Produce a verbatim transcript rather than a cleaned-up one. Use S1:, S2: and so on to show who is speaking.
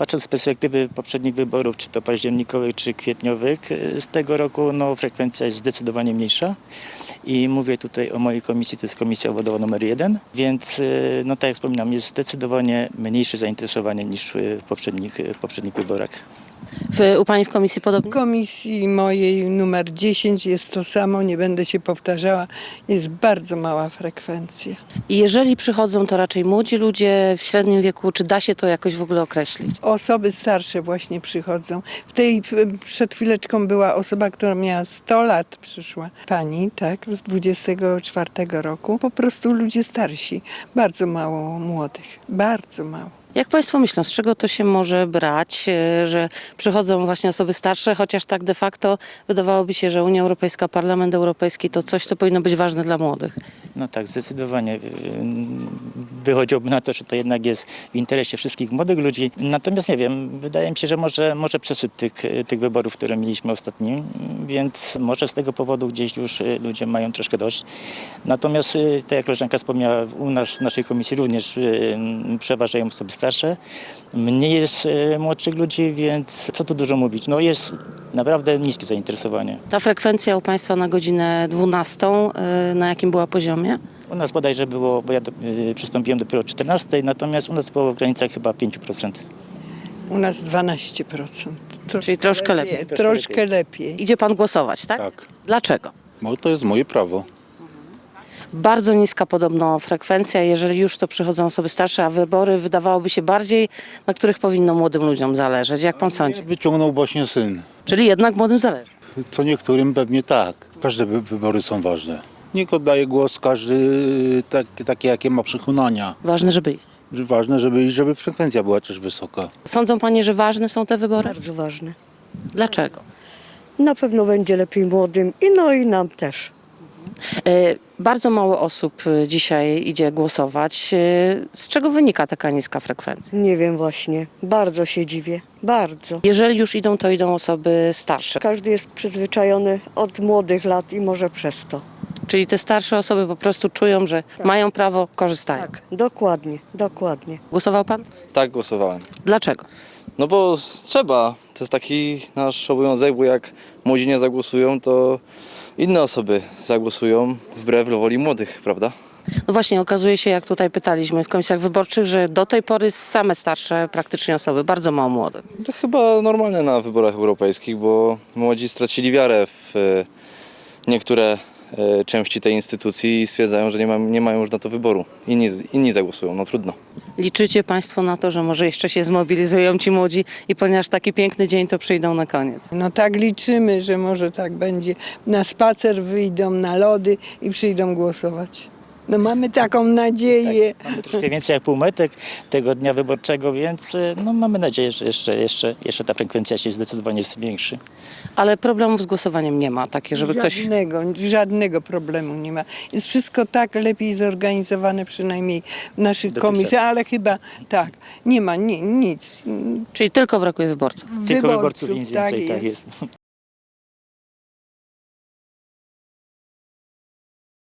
S1: Patrząc z perspektywy poprzednich wyborów, czy to październikowych, czy kwietniowych, z tego roku no, frekwencja jest zdecydowanie mniejsza i mówię tutaj o mojej komisji, to jest komisja obwodowa numer jeden, więc no tak jak wspominam, jest zdecydowanie mniejsze zainteresowanie niż w poprzednich, w poprzednich wyborach.
S2: W, u Pani w komisji podobnie?
S3: W komisji mojej numer dziesięć jest to samo, nie będę się powtarzała, jest bardzo mała frekwencja.
S2: I jeżeli przychodzą, to raczej młodzi ludzie w średnim wieku, czy da się to jakoś w ogóle określić?
S3: Osoby starsze właśnie przychodzą. W tej w- przed chwileczką była osoba, która miała sto lat, przyszła pani, tak, z dwudziestego czwartego roku. Po prostu ludzie starsi, bardzo mało młodych, bardzo mało.
S2: Jak Państwo myślą, z czego to się może brać, e, że przychodzą właśnie osoby starsze, chociaż tak de facto wydawałoby się, że Unia Europejska, Parlament Europejski to coś, co powinno być ważne dla młodych?
S1: No tak, zdecydowanie. Wychodziłoby na to, że to jednak jest w interesie wszystkich młodych ludzi. Natomiast nie wiem, wydaje mi się, że może, może przesyt tych, tych wyborów, które mieliśmy ostatnim, więc może z tego powodu gdzieś już ludzie mają troszkę dość. Natomiast, tak jak koleżanka wspomniała, u nas w naszej komisji również przeważają osoby starsze. Mniej jest młodszych ludzi, więc co tu dużo mówić. No jest naprawdę niskie zainteresowanie.
S2: Ta frekwencja u Państwa na godzinę dwunastą, e, na jakim była poziomie?
S1: U nas bodajże było, bo ja do, y, przystąpiłem dopiero o czternastej, natomiast u nas było w granicach chyba pięć procent.
S3: U nas dwanaście procent. Troszkę
S2: Czyli troszkę lepiej.
S3: Troszkę lepiej.
S2: Idzie Pan głosować, tak?
S4: Tak,
S2: Dlaczego?
S4: bo to jest moje prawo.
S2: Bardzo niska podobno frekwencja, jeżeli już to przychodzą osoby starsze, a wybory wydawałoby się bardziej, na których powinno młodym ludziom zależeć. Jak Pan sądzi?
S4: Wyciągnął właśnie syn.
S2: Czyli jednak młodym zależy.
S4: Co niektórym pewnie tak. Każde wy- wybory są ważne. Niech oddaje głos każdy tak, takie, jakie ma przekonania.
S2: Ważne, żeby iść.
S4: Że ważne, żeby, żeby frekwencja była też wysoka.
S2: Sądzą Panie, że ważne są te wybory?
S5: Bardzo ważne.
S2: Dlaczego?
S5: Na pewno będzie lepiej młodym i no i nam też.
S2: E, Bardzo mało osób e, dzisiaj idzie głosować. E, Z czego wynika taka niska frekwencja?
S5: Nie wiem właśnie. Bardzo się dziwię. Bardzo.
S2: Jeżeli już idą, to idą osoby starsze.
S5: Każdy jest przyzwyczajony od młodych lat i może przez to.
S2: Czyli te starsze osoby po prostu czują, że mają prawo, korzystają.
S5: Tak, dokładnie, dokładnie.
S2: Głosował Pan?
S6: Tak, głosowałem.
S2: Dlaczego?
S6: No bo trzeba. To jest taki nasz obowiązek, bo jak młodzi nie zagłosują, to inne osoby zagłosują wbrew woli młodych, prawda?
S2: No właśnie, okazuje się, jak tutaj pytaliśmy w komisjach wyborczych, że do tej pory same starsze praktycznie osoby, bardzo mało młodych.
S6: To chyba normalne na wyborach europejskich, bo młodzi stracili wiarę w e, niektóre e, części tej instytucji i stwierdzają, że nie, ma, nie mają już na to wyboru. Inni, inni zagłosują, no trudno.
S2: Liczycie Państwo na to, że może jeszcze się zmobilizują ci młodzi i ponieważ taki piękny dzień, to przyjdą na koniec?
S3: No tak liczymy, że może tak będzie. Na spacer wyjdą, na lody i przyjdą głosować. No mamy taką nadzieję.
S1: Mamy troszkę więcej jak półmetek tego dnia wyborczego, więc y, no, mamy nadzieję, że jeszcze, jeszcze, jeszcze ta frekwencja się zdecydowanie zwiększy.
S2: Ale problemów z głosowaniem nie ma, takie, żeby ktoś...
S3: Żadnego, żadnego problemu nie ma. Jest wszystko tak lepiej zorganizowane, przynajmniej w naszych
S1: Dotychczas.
S3: komisjach, ale chyba tak, nie ma ni, nic.
S2: Czyli tylko brakuje wyborców.
S1: Tylko
S3: Wyborców,
S1: wyborców nic
S3: tak
S1: więcej, tak
S3: jest.
S1: jest.